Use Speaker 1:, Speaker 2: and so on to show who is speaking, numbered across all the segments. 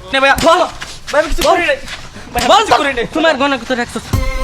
Speaker 1: নে ভাইয়া বল ভাই আমি কিছু করি নাই
Speaker 2: বল তোমার গয়না কোথায় রাখছো?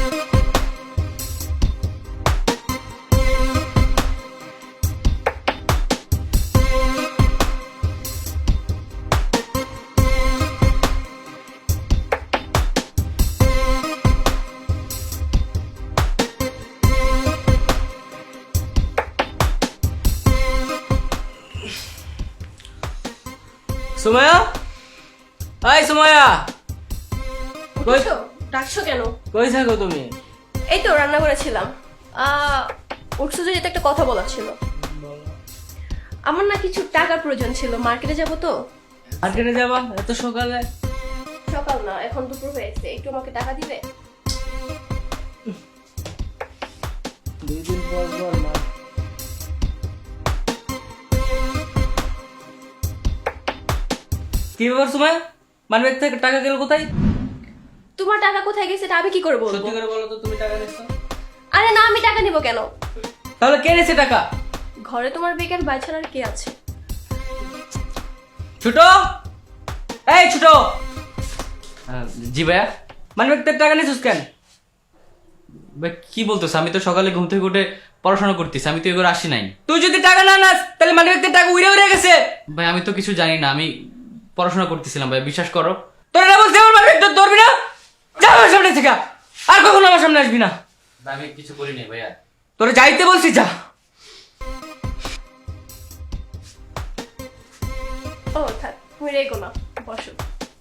Speaker 2: সুমাইয়া, এই সুমাইয়া,
Speaker 3: উঠছো? ডাকছো কেন?
Speaker 2: কই থাকো তুমি?
Speaker 3: এই তো রান্না করেছিলাম। উঠছো যে এটা একটা কথা বলার ছিল। আমার না কিছু টাকার প্রয়োজন ছিল, মার্কেটে যাব তো।
Speaker 2: মার্কেটে যাবা এত সকালে?
Speaker 3: সকাল না, এখন দুপুর হয়েছে, একটু আমাকে টাকা দিবে?
Speaker 2: 2 দিন পর পর না। কি ব্যাপার সুমাইয়া, মানবের থেকে টাকা গেল কোথায়?
Speaker 3: তোমার টাকা কোথায় গেছে এটা আমি কি করে বলবো?
Speaker 2: সত্যি করে বলো তো, তুমি টাকা নিছো?
Speaker 3: আরে না, আমি টাকা নিব কেন?
Speaker 2: তাহলে কে নিছে টাকা?
Speaker 3: ঘরে তোমার বেকার ভাই ছাড়া আর কে আছে?
Speaker 2: ছোট, এই ছোট।
Speaker 1: জি ভাইয়া
Speaker 2: মানবের থেকে টাকা নিছিস কেন?
Speaker 1: ভাই কি বলতেছ? আমি তো সকালে ঘুম থেকে উঠে পড়াশোনা করতেছি, আমি তো এগুলো আসি নাই।
Speaker 2: তুই যদি টাকা না নাস তাহলে মানবের থেকে টাকা উড়ে উড়ে গেছে।
Speaker 1: ভাই আমি তো কিছু জানি না, আমি পড়াশোনা করতেছিলাম ভাই, বিশ্বাস করো।
Speaker 2: তোর না বলছি আমার মানবের তোর ধরবি না? যা আমার সামনে থেকে, আর কখনো আমার সামনে আসবি না।
Speaker 1: ভাই আমি কিছু করি নাই ভাইয়া।
Speaker 2: তোরা যাইতে বলছি যা।
Speaker 3: ও থাক, তুমি রেগো না, বসো।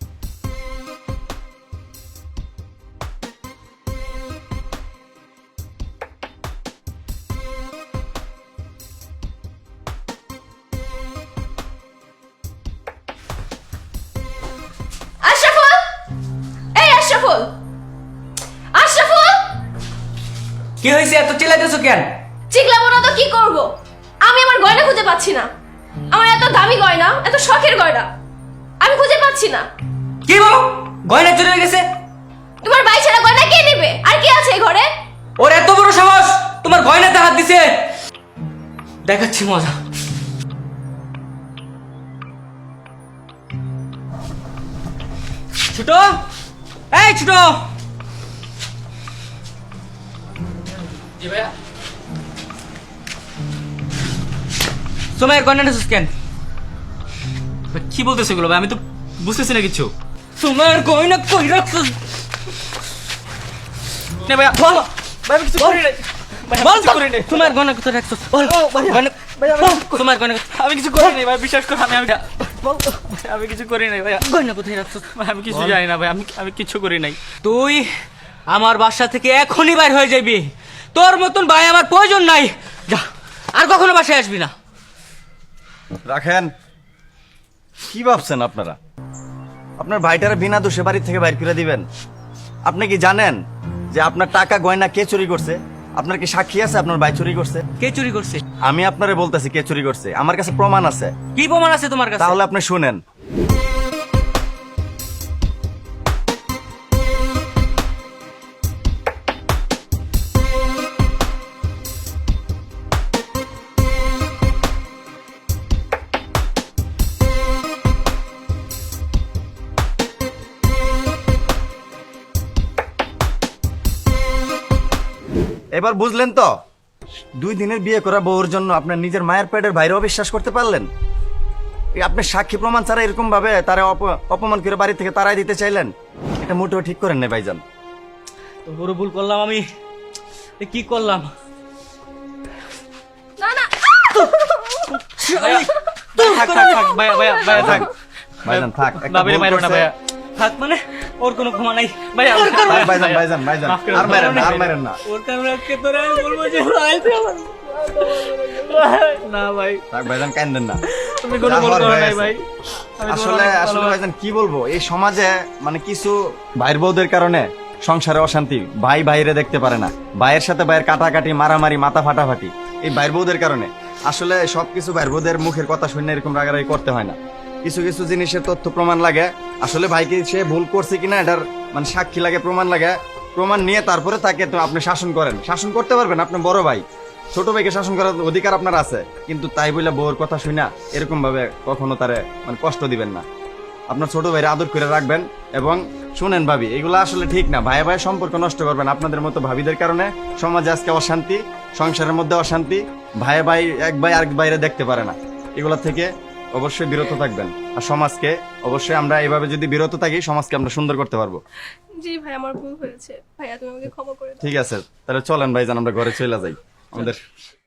Speaker 3: আশরাফুল, এই আশরাফুল, আশরাফুল!
Speaker 2: কি হয়েছে, এত চিল্লাইতেছো কেন?
Speaker 3: চিকলাবো না তো কি করব? আমি আমার গয়না খুঁজে পাচ্ছি না। আমার এত দামি গয়না, এত শখের গয়না আমি খুঁজে পাচ্ছি না।
Speaker 2: কি বলো, গয়না চুরি হয়ে গেছে?
Speaker 3: তোমার ভাই ছাড়া গয়না কে নেবে? আর কি আছে এই ঘরে?
Speaker 2: ওর এত বড় সাহস তোমার গয়নাতে হাত দিছে? দেখাচ্ছি মজা। ছোট, এই ছোট,
Speaker 1: জি ভাইয়া।
Speaker 2: সময়ের গয়না নিছিস কেন?
Speaker 1: ভাই কি বলতেছো এগুলো ভাই? আমি তো বুঝতেছি না কিছু।
Speaker 2: সময়ের গয়না কই রাখছিস?
Speaker 1: নে ভাইয়া
Speaker 2: বল
Speaker 1: ভাই আমি কিছু করি নাই ভাই,
Speaker 2: বল
Speaker 1: আমি কিছু করি নাই।
Speaker 2: তোমার গয়না কোথায় রাখছিস? বল গয়না, তোমার গয়না,
Speaker 1: আমি কিছু করি নাই ভাই, বিশ্বাস করো। আমি আমি কিছু করি নাই ভাইয়া।
Speaker 2: গয়না কোথায় রাখছিস?
Speaker 1: ভাই আমি কিছু জানি না ভাই, আমি কিছু করি নাই।
Speaker 2: তুই আমার বাসা থেকে এখনই বাইর হয়ে যাবি। তোর মতন ভাই আমার প্রয়োজন নাই। যা, আর কখনো বাসায় আসবি না।
Speaker 4: রাখেন। কি ভাবছেন আপনারা? আপনার ভাইটারা বিনা দোষে বাড়ি থেকে বাইর করে দিবেন? আপনি কি জানেন যে আপনার টাকা গয়না কে চুরি করছে? আপনার কি সাক্ষী আছে আপনার ভাই চুরি করছে?
Speaker 2: কে চুরি করছে?
Speaker 4: আমি আপনারে বলতেছি কে চুরি করছে, আমার কাছে প্রমাণ আছে।
Speaker 2: কি প্রমাণ আছে তোমার কাছে?
Speaker 4: তাহলে আপনি শুনেন। এবার বুঝলেন তো? 2 দিনের বিয়ে করা বউর জন্য আপনার নিজের মায়ের পেটের বাইরে অবিশ্বাস করতে পারলেন? আপনি সাক্ষী প্রমাণ ছাড়া এরকম ভাবে তারা অপমান করে বাড়ি থেকে তাড়াই দিতে চাইলেন? এটা মোটেও ঠিক করেন না ভাইজান।
Speaker 2: বড় ভুল করলাম আমি। কি করলাম?
Speaker 3: না না,
Speaker 1: থাক থাক থাক ভাইয়া ভাইয়া ভাইয়া থাক
Speaker 4: ভাইজান থাক, একটা
Speaker 1: বাবিরে
Speaker 4: ভুল
Speaker 1: মারো না
Speaker 4: করছে।
Speaker 1: ভাইয়া।
Speaker 2: থাক মানে ওর কোনো ক্ষমা নাই।
Speaker 1: ভাইয়া
Speaker 2: ওর কারণে-
Speaker 4: থাক ভাইজান, ভাইজান, ভাইজান,
Speaker 1: মাফ করে
Speaker 4: আর
Speaker 1: দাও।
Speaker 4: মারেন না, আর মারেন না।
Speaker 2: ওর কারণে আজকে তোরে আমি বলবো যে ভাই তুই আমার
Speaker 1: না ভাই,
Speaker 4: থাক ভাইজান, কাঁদেন না।
Speaker 1: তুমি কোনো
Speaker 4: যা
Speaker 1: ভুল
Speaker 4: হওয়ার
Speaker 1: করো
Speaker 4: হয়ে
Speaker 1: নাই
Speaker 4: গেছে।
Speaker 1: ভাই। আমি তোমার
Speaker 4: আসলে
Speaker 1: অনেক
Speaker 4: আসলে
Speaker 1: ভালোবাসি।
Speaker 4: ভাইজান কি বলবো, এই সমাজে মানে কিছু ভাইয়ের বউদের কারণে সংসারে অশান্তি, ভাই ভাইরে দেখতে পারে না, ভাইয়ের সাথে ভাইয়ের কাটাকাটি, মারামারি, মাথা ফাটাফাটি, এই ভাইয়ের বউদের কারণে। আসলে সবকিছু ভাইয়ের বউদের মুখের কথা শুনে এরকম রাগারাগি করতে হয় না। কিছু কিছু জিনিসের তথ্য প্রমাণ লাগে। আসলে ভাইকে সে ভুল করছে কিনা এটার মানে সাক্ষী লাগে, প্রমাণ লাগে। প্রমাণ নিয়ে তারপরে তাকে তো আপনি শাসন করেন, শাসন করতে পারবেন। আপনার বড় ভাই, ছোট ভাইকে শাসন করার অধিকার আপনার আছে, কিন্তু তাই বলে বউর কথা শুনা এরকম ভাবে কখনো তারে মানে কষ্ট দিবেন না। আপনার ছোট ভাইরে আদর করে রাখবেন। এবং শুনেন ভাবি, এগুলো আসলে ঠিক না, ভাই ভাই সম্পর্ক নষ্ট করবেন আপনাদের মতো ভাবিদের কারণে। সমাজে আজকে অশান্তি, সংসারের মধ্যে অশান্তি, ভাই ভাই এক ভাই আরেক বাইরে দেখতে পারে না। এগুলো থেকে অবশ্যই বিরত থাকবেন। আর সমাজকে অবশ্যই আমরা এইভাবে যদি বিরত থাকি, সমাজকে আমরা সুন্দর করতে পারবো।
Speaker 3: জি ভাই, আমার ভুল হয়েছে, ভাইয়া তুমি আমাকে ক্ষমা করে দাও।
Speaker 4: ঠিক আছে, তাহলে চলেন ভাইজান আমরা ঘরে চলে যাই আমাদের।